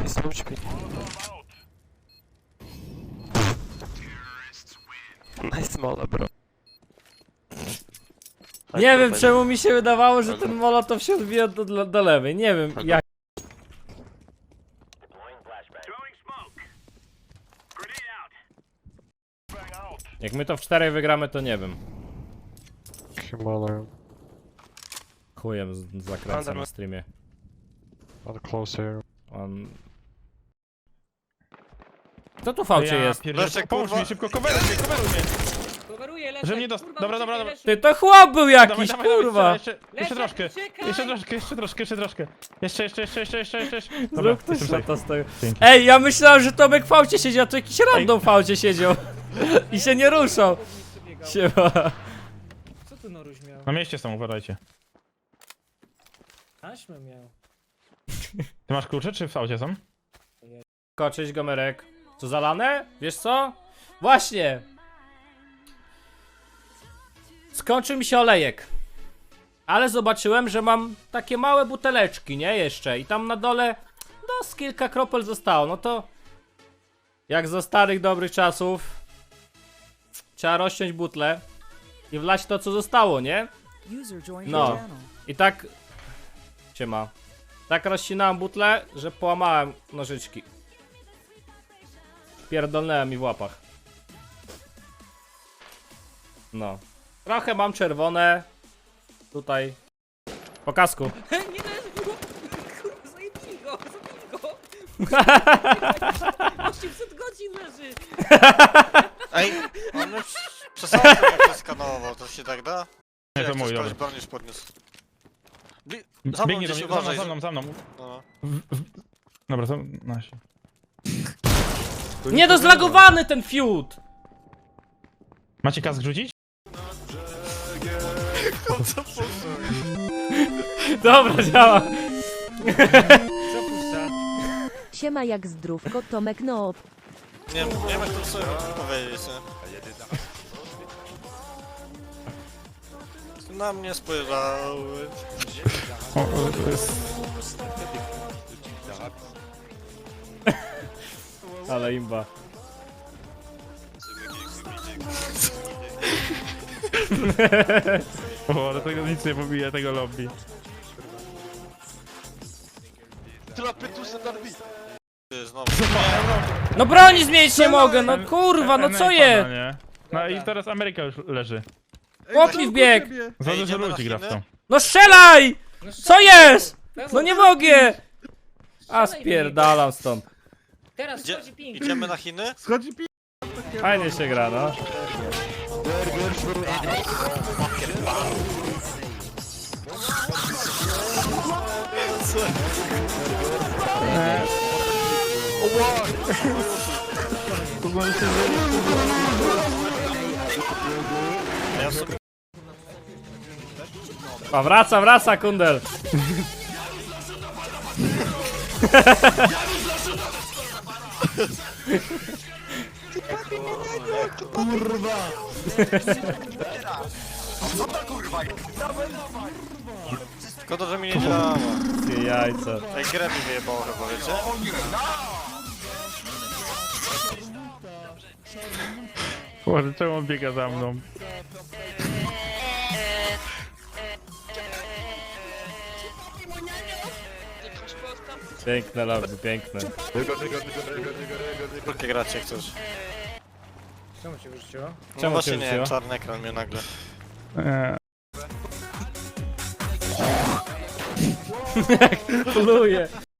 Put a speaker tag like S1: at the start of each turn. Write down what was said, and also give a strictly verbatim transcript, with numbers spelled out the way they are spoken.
S1: Nice mola, bro.
S2: Nie wiem czemu mi się wydawało, że ten molotow się odbija do, do, do lewej. Nie wiem jak. Jak my to w czterech wygramy, to nie wiem.
S3: Himalaya.
S2: Chujem z- zakręcam
S1: Under-
S2: na streamie.
S3: Not close here.
S2: On... Kto tu fałcie jest?
S4: Leszek, pomóż mi szybko, coveruj mnie, coveruj mnie!
S5: Coveruję, Leszek,
S4: Że mnie dos-
S5: kurwa,
S4: dobra,
S5: uciekaj,
S4: dobra, dobra.
S5: Leszek.
S2: Ty to chłop był jakiś,
S4: Dawaj, dawaj, dawaj,
S2: kurwa!
S4: Jeszcze, jeszcze, jeszcze
S5: Leszek,
S4: troszkę,
S5: uciekaj!
S4: jeszcze troszkę, jeszcze troszkę, jeszcze troszkę. Jeszcze, jeszcze, jeszcze, jeszcze, jeszcze, jeszcze. Dobra,
S2: Zrób to
S4: jestem safe.
S2: szata z tego.
S4: Dzięki.
S2: Ej, ja myślałem, że Tomek w fałcie siedział, a to jakiś random w fałcie siedział. I się nie ruszał. Siema.
S5: Co tu Noruś miał?
S4: Na mieście są, uważajcie.
S5: Taśmę miał.
S4: Ty masz klucze, czy w aucie są?
S2: Ko, cześć Gomerek. Co zalane? Wiesz co? Właśnie. Skończył mi się olejek. Ale zobaczyłem, że mam takie małe buteleczki, nie? Jeszcze. I tam na dole, no z kilka kropel zostało. No to jak za starych dobrych czasów trzeba rozciąć butlę i wlać to, co zostało, nie? No. I tak... Siema. Tak rozcinałem butlę, że połamałem nożyczki. Pierdolnęłem mi w łapach. No. Trochę mam czerwone. Tutaj. Po kasku.
S5: Nie leży, kurwa, zajebij go, zabij go. osiemset godzin leży.
S6: Ej, on już przesadził jak to skanował, to się tak da?
S4: Nie, to
S6: Jak
S4: mój,
S6: ktoś
S4: dobra.
S6: broń już podniósł. Bli- Za mną
S4: Biegnie do
S6: gdzieś
S4: mnie, za mną,
S6: uważaj.
S4: za mną, za mną.
S6: No.
S4: Dobra, są nasi.
S2: Nie dozlagowany ten fiut!
S4: Macie kask rzucić?
S6: Co puszczą?
S2: Dobra, działa.
S5: Co puszcza?
S7: Siema jak zdrówko, Tomek no.
S6: Nie wiem, nie wiem jak to sobie powiedzieć, nie? Na mnie spojrzały.
S4: O, o, to jest...
S2: Ale imba.
S4: O, ale tego nic nie pobije, tego lobby.
S6: Ty, znowu.
S2: No broni zmienić nie mogę, no kurwa, no co
S4: N-
S2: je?
S4: pada, nie? No i teraz Ameryka już leży.
S2: Chłop mi wbiegł.
S4: Za
S6: Ej,
S4: dużo
S6: idziemy na
S4: ludzi gra w to.
S6: Chiny?
S2: No strzelaj! Co jest? No nie mogę! A
S5: Strzelaj,
S2: spierdalam stąd.
S5: Teraz
S6: Idzie,
S5: wchodzi ping.
S6: idziemy na Chiny?
S2: Fajnie się gra, no.
S6: Ja sobie...
S2: A wraca, wraca kundel.
S6: Szkoda, że mi nie działa.
S2: Ty jajca.
S6: Ej, grę mi wyjebało chyba, wiecie?
S4: Boże, czemu on biega za mną?
S2: Piękne lobby, piękne.
S6: Jakie gracie chcesz?
S5: Czemu cię wyrzuciło?
S6: No
S2: Czemu
S6: właśnie
S2: cię
S6: nie,
S2: wróciło?
S6: czarny ekran mnie nagle.
S4: Eee,
S2: Pluje.